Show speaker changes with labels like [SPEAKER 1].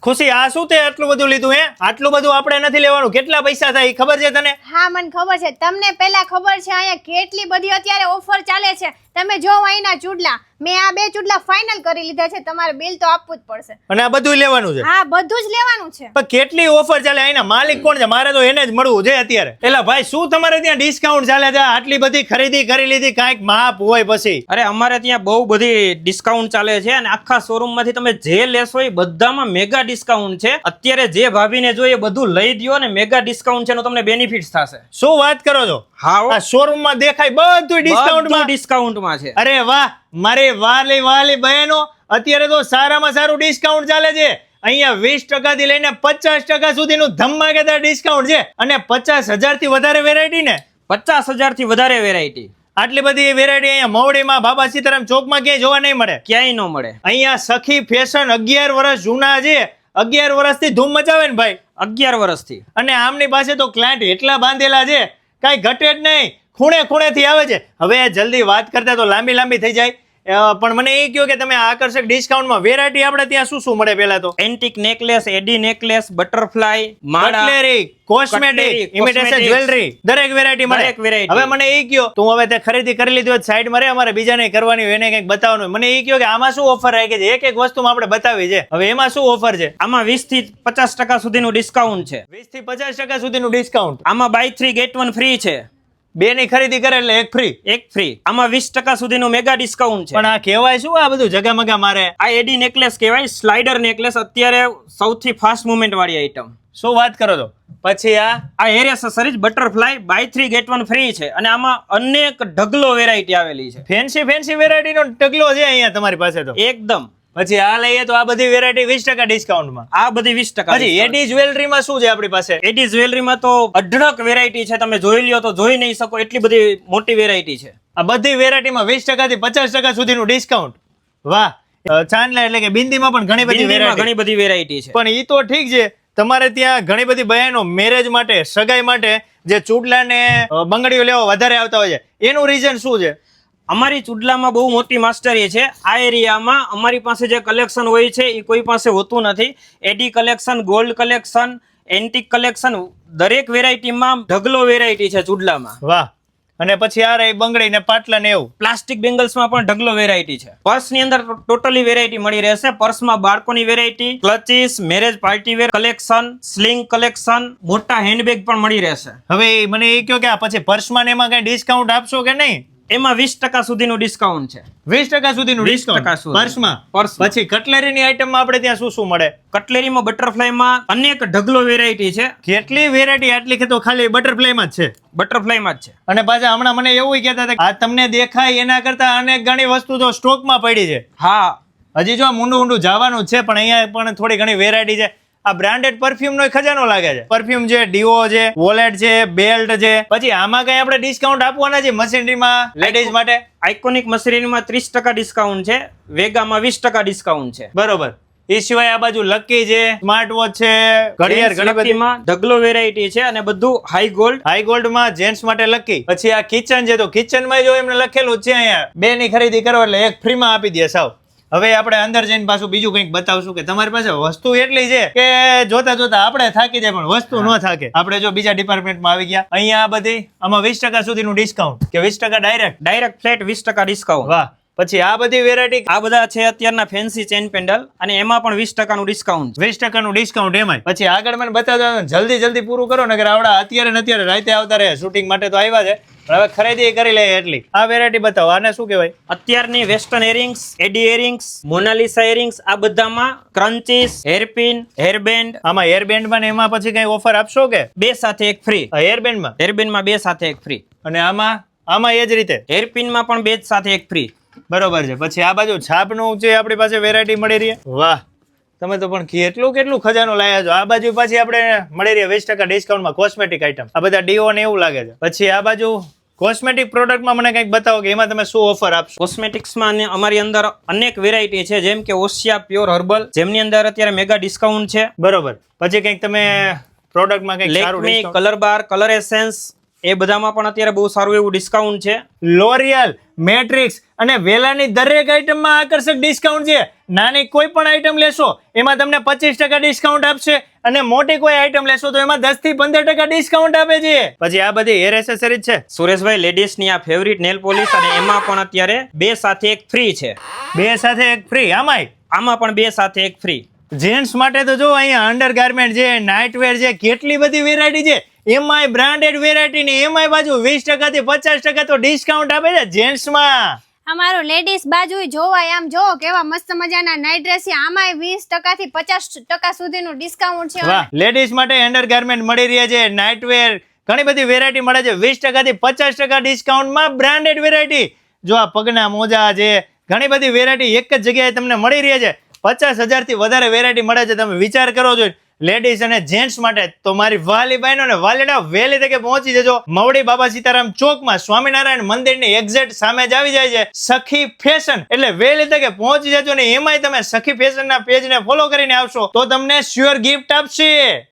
[SPEAKER 1] ખુશી આ શું તે આટલું બધું લીધું હે? આટલું બધું આપણે નથી લેવાનું. કેટલા પૈસા થાય ખબર છે તને?
[SPEAKER 2] હા મને ખબર છે. તમને પહેલા ખબર છે અહીંયા કેટલી બધી અત્યારે ઓફર ચાલે છે. તમે જો અહીંના ચૂડલા, મેં આ 2 ચૂડલા ફાઇનલ કરી લીધા છે. તમારે બિલ તો આપવું જ પડશે.
[SPEAKER 1] અને આ બધું લેવાનું છે?
[SPEAKER 2] હા બધું જ લેવાનું છે.
[SPEAKER 1] પણ કેટલી ઓફર ચાલે? અહીંના માલિક કોણ છે? મારે તો એને જ મળવું છે અત્યારે. એલા ભાઈ શું તમારે ત્યાં ડિસ્કાઉન્ટ ચાલે છે? આટલી બધી ખરીદી કરી લીધી, કાંઈક માપ હોય પછી.
[SPEAKER 3] અરે અમારે ત્યાં બહુ બધી ડિસ્કાઉન્ટ ચાલે છે અને આખા શોરૂમ માંથી તમે જે લેશો એ બધામાં મેગા ડિસ્કાઉન્ટ છે. અત્યારે જે ભાભીને જોઈએ બધું લઈ દ્યો અને મેગા ડિસ્કાઉન્ટ છે, તમને બેનિફિટ્સ થશે.
[SPEAKER 1] શું વાત કરો છો?
[SPEAKER 3] હા
[SPEAKER 1] આ શોરૂમ માં દેખાય બધું
[SPEAKER 3] ડિસ્કાઉન્ટમાં છે.
[SPEAKER 1] અરે વાહ, મારી વાલી બહેનો, અત્યારે તો સારામાં સારું ડિસ્કાઉન્ટ ચાલે છે. અહીંયા 20% થી લઈને 50% સુધીનું ધમાકેદાર ડિસ્કાઉન્ટ છે. અને 50,000 થી વધારે વેરાયટી ને
[SPEAKER 3] 50,000 થી વધારે વેરાયટી.
[SPEAKER 1] આટલી બધી વેરાયટી અહીંયા મવડીમાં બાબા સીતારામ ચોકમાં ક્યાંય જોવા નહીં મળે.
[SPEAKER 3] ક્યાંય ન મળે.
[SPEAKER 1] અહીંયા સખી ફેશન 11 વર્ષ જૂના છે. 11 વર્ષથી ધૂમ મચાવે ને ભાઈ.
[SPEAKER 3] 11 વર્ષથી.
[SPEAKER 1] અને આમની પાસે તો ક્લાયન્ટ એટલા બાંધેલા છે, કાંઈ ઘટે જ નહીં. ખૂણેથી આવે છે. હવે જલ્દી વાત કરતા તો લાંબી થઈ જાય. પણ મને એ કહો કે તમે આકર્ષક ડિસ્કાઉન્ટમાં વેરાયટી આપણે ત્યાં શું મળે? પહેલા તો
[SPEAKER 3] antique necklace, AD necklace, butterfly, માળા,
[SPEAKER 1] કટલેરી, કોસ્મેટિક, ઇમિટેશન જ્વેલરી, દરેક વેરાયટી મળે. હવે મને એ કહો, તું હવે તે ખરીદી કરી લીધી હોય સાઈડ માં રે, અમારે બીજાને કરવાની હોય, એને કંઈક બતાવવાનું હોય. મને એ કહો કે આમાં શું ઓફર રાખી છે? એક વસ્તુમાં આપણે બતાવી છે. હવે એમાં શું ઓફર છે?
[SPEAKER 3] આમાં 20 થી 50% સુધીનું ડિસ્કાઉન્ટ છે.
[SPEAKER 1] 20 થી 50% સુધીનું ડિસ્કાઉન્ટ.
[SPEAKER 3] આમાં બાય 3 ગેટ 1 ફ્રી છે.
[SPEAKER 1] 2 ની ખરીદી કરે એટલે 1 ફ્રી.
[SPEAKER 3] 1 ફ્રી. આમાં 20% સુધીનું મેગા ડિસ્કાઉન્ટ છે.
[SPEAKER 1] પણ આ કહેવાય શું આ બધું જગામગા મારે?
[SPEAKER 3] આ એડી નેકલેસ કહેવાય, સ્લાઇડર નેકલેસ, અત્યારે સૌથી ફાસ્ટ મુવમેન્ટ વાળી આઈટમ.
[SPEAKER 1] શું વાત કરો છો? પછી
[SPEAKER 3] આ hair accessories butterfly buy 3 get 1 free છે. અને આમાં અનેક ઢગલો વેરાયટી આવેલી છે.
[SPEAKER 1] ફેન્સી વેરાયટી નો ઢગલો છે અહીંયા તમારી પાસે તો
[SPEAKER 3] એકદમ.
[SPEAKER 1] પછી આ લઈએ તો આ બધી વેરાયટી 20% ડિસ્કાઉન્ટમાં.
[SPEAKER 3] આ બધી 20%.
[SPEAKER 1] પછી એડી જ્વેલરીમાં શું છે આપણી પાસે?
[SPEAKER 3] એડી જ્વેલરીમાં તો અઢળક વેરાયટી છે. તમે જોઈ લ્યો તો જોઈ નહીં શકો એટલી બધી મોટી વેરાયટી છે.
[SPEAKER 1] આ બધી વેરાયટીમાં 20% થી 50% સુધીનું ડિસ્કાઉન્ટ. વાહ. ચાંદલા એટલે કે બિંદીમાં પણ ઘણી બધી
[SPEAKER 3] વેરાયટી છે.
[SPEAKER 1] પણ ઈ તો ઠીક છે, તમારે ત્યાં ઘણી બધી બહેનો મેરેજ માટે, સગાઈ માટે જે ચૂડલા ને બંગડીઓ લેવા વધારે આવતા હોય છે, એનું રીઝન શું છે?
[SPEAKER 3] અમારી ચૂડલામાં બહુ મોટી માસ્ટરી છે. આ એરિયામાં અમારી પાસે જે કલેક્શન હોય છે એ કોઈ પાસે હોતું નથી. AD collection, gold collection, antique collection, દરેક વેરાયટીમાં ઢગલો વેરાયટી છે ચૂડલામાં.
[SPEAKER 1] વાહ. અને પછી આ રહી બંગડી ને પાટલા ને એવું.
[SPEAKER 3] પ્લાસ્ટિક બેંગલ્સમાં પણ ઢગલો વેરાયટી છે. પર્સની અંદર ટોટલી વેરાયટી મળી રહેશે. પર્સમાં બાળકોની variety, clutches, marriage party wear collection, sling collection, મોટા હેન્ડબેગ પણ મળી રહેશે.
[SPEAKER 1] હવે મને એ કહો કે આ પછી પર્સમાં ને એમાં કઈ ડિસ્કાઉન્ટ આપશો કે નહીં?
[SPEAKER 3] એમાં 20% સુધીનું ડિસ્કાઉન્ટ છે.
[SPEAKER 1] 20% સુધીનું ડિસ્કાઉન્ટ પર્સમાં. પછી કટલેરીની આઈટમમાં આપણે ત્યાં શું મળે?
[SPEAKER 3] કટલેરીમાં બટરફ્લાયમાં અનેક ઢગલો વેરાયટી છે.
[SPEAKER 1] કેટલી વેરાયટી? આટલી કે તો ખાલી બટરફ્લાયમાં જ છે?
[SPEAKER 3] બટરફ્લાયમાં જ છે. અને
[SPEAKER 1] પાછા હમણાં મને એવું કહેતા હતા આ તમને દેખાય એના કરતા અનેક ઘણી વસ્તુ તો સ્ટોકમાં પડી છે.
[SPEAKER 3] હા,
[SPEAKER 1] હજી જો ઊંડું જવાનું છે, પણ અહીંયા પણ થોડી ઘણી વેરાયટી છે. આ બ્રાન્ડેડ પરફ્યુમ નો ખજાનો લાગે છે. પરફ્યુમ છે, ડીઓ છે, વોલેટ છે, બેલ્ટ છે. પછી આમાં કઈ આપણે ડિસ્કાઉન્ટ આપવાના છે મશીનરીમાં લેડીઝ માટે?
[SPEAKER 3] આઇકોનિક મશીનરીમાં 30% ડિસ્કાઉન્ટ છે. વેગામાં 20% ડિસ્કાઉન્ટ છે.
[SPEAKER 1] બરોબર. એ સિવાય આ બાજુ લકી છે, સ્માર્ટ વોચ છે, ઘડિયાળ, ઘણી બધીમાં
[SPEAKER 3] ઢગલો વેરાયટી છે. અને બધું હાઈ ગોલ્ડમાં
[SPEAKER 1] જેન્ટ્સ માટે લકી. પછી આ કિચન છે, તો કિચનમાં જો એમને લખેલું છે અહીંયા 2 ની ખરીદી કરો એટલે 1 ફ્રીમાં આપી દે સાવ. હવે આપણે અંદર જઈને પાછું બીજું કંઈક બતાવશું કે તમારી પાસે વસ્તુ એટલી છે કે જોતા આપણે થાકી જાય પણ વસ્તુ ન થાકે. આપણે જો બીજા ડિપાર્ટમેન્ટમાં આવી ગયા, અહીંયા આ બધી આમાં 20% સુધીનું ડિસ્કાઉન્ટ કે 20%
[SPEAKER 3] ડાયરેક્ટ ફ્લેટ 20% ડિસ્કાઉન્ટ.
[SPEAKER 1] વાહ. પછી આ બધી વેરાયટી,
[SPEAKER 3] આ બધા છે અત્યારના ફેન્સી ચેન પેન્ડલ અને એમાં પણ 20% નું ડિસ્કાઉન્ટ.
[SPEAKER 1] 20% નું ડિસ્કાઉન્ટ એમાં. પછી આગળ મને બતાવજો, જલ્દી પૂરું કરો ને, આવડા અત્યારે રાતે આવતા રહે. શૂટિંગ માટે તો આવ્યા છે, હવે ખરીદી કરી લે એટલી. આ વેરાયટી બતાવો, આને શું કહેવાય?
[SPEAKER 3] અત્યારની western earrings, AD earrings, Mona Lisa earrings, આ બધામાં ક્રન્ચીસ, હેરપિન, હેરબેન્ડ.
[SPEAKER 1] આમાં હેરબેન્ડમાં ને એમાં પછી કઈ ઓફર આપશો કે?
[SPEAKER 3] 2 સાથે 1 ફ્રી.
[SPEAKER 1] હેરબેન્ડમાં
[SPEAKER 3] 2 સાથે 1 ફ્રી.
[SPEAKER 1] અને આમાં એ જ રીતે
[SPEAKER 3] હેરપિનમાં પણ 2 સાથે 1 ફ્રી.
[SPEAKER 1] બરોબર છે. પછી આ બાજુ છાપનું છે, આપણી પાસે વેરાયટી મળી રહી. વાહ, તમે તો પણ કેટલું ખજાનો લાયા છો. આ બાજુ પાછી આપણે મળી રહી 20% ડિસ્કાઉન્ટમાં કોસ્મેટિક આઈટમ. આ બધા ડીઓ ને એવું લાગે છે. પછી આ બાજુ કોસ્મેટિક પ્રોડક્ટમાં મને કંઈક બતાવો કે એમાં તમે શું ઓફર આપશો?
[SPEAKER 3] કોસ્મેટિક્સમાં અમારી અંદર અનેક વેરાયટી છે, જેમ કે ઓશિયા પ્યોર હર્બલ, જેમની અંદર અત્યારે મેગા ડિસ્કાઉન્ટ છે.
[SPEAKER 1] બરોબર. પછી કંઈક તમે પ્રોડક્ટમાં કંઈક સારું
[SPEAKER 3] Lakme, colour bar, colour essence, એ બધામાં પણ અત્યારે બહુ સારું એવું ડિસ્કાઉન્ટ છે.
[SPEAKER 1] લોરિયલ, મેટ્રિક્સ અને વેલાની દરેક આઈટમમાં આકર્ષક ડિસ્કાઉન્ટ છે. નાની કોઈ પણ આઈટમ લેશો એમાં તમને 25% ડિસ્કાઉન્ટ આપશે અને મોટી કોઈ આઈટમ લેશો તો એમાં 10 થી 15% ડિસ્કાઉન્ટ આપે છે. પછી આ બધી હેર એસેસરીઝ છે.
[SPEAKER 3] સુરેશભાઈ, લેડીઝની આ ફેવરિટ નેલ પોલિશ અને એમાં પણ અત્યારે 2 સાથે 1 ફ્રી છે.
[SPEAKER 1] 2 સાથે 1 ફ્રી.
[SPEAKER 3] આમાં પણ 2 સાથે 1 ફ્રી.
[SPEAKER 1] જેન્ટ્સ માટે તો જો અહીંયા અંડરગાર્મેન્ટ છે, નાઇટવેર છે, કેટલી બધી વેરાયટી છે. એમાંય બ્રાન્ડેડ વેરાયટી ની એમાંય બાજુ 20% થી 50% તો ડિસ્કાઉન્ટ આપે છે જેન્ટ્સમાં.
[SPEAKER 2] અમારું લેડીઝ બાજુ જોવાય, આમ જો કેવા મસ્ત મજાના નાઇટ ડ્રેસ છે, આમાંય 20% થી 50% સુધીનું ડિસ્કાઉન્ટ છે.
[SPEAKER 1] વાહ, લેડીઝ માટે અંડરગાર્મેન્ટ મળી રહ્યા છે, નાઇટવેર, ઘણી બધી વેરાયટી મળે છે 20% થી 50% ડિસ્કાઉન્ટમાં. બ્રાન્ડેડ વેરાયટી જો આ પગના મોજા છે, ઘણી બધી વેરાયટી એક જ જગ્યાએ તમને મળી રહી છે. 50,000 થી વધારે વેરાયટી મળે છે. તમે વિચાર કરો છો લેડીઝ અને જેન્ટ્સ માટે તો મારી વાલી બહેનો ને વાલીડા વહેલી તકે પહોંચી જજો. મવડી બાબા સીતારામ ચોકમાં સ્વામિનારાયણ મંદિરની એક્ઝેક્ટ સામે જ આવી જાય છે સખી ફેશન. એટલે વહેલી તકે પહોંચી જજો ને એમાંય તમે સખી ફેશનના પેજને ફોલો કરીને આવશો તો તમને શ્યોર ગિફ્ટ આપશે.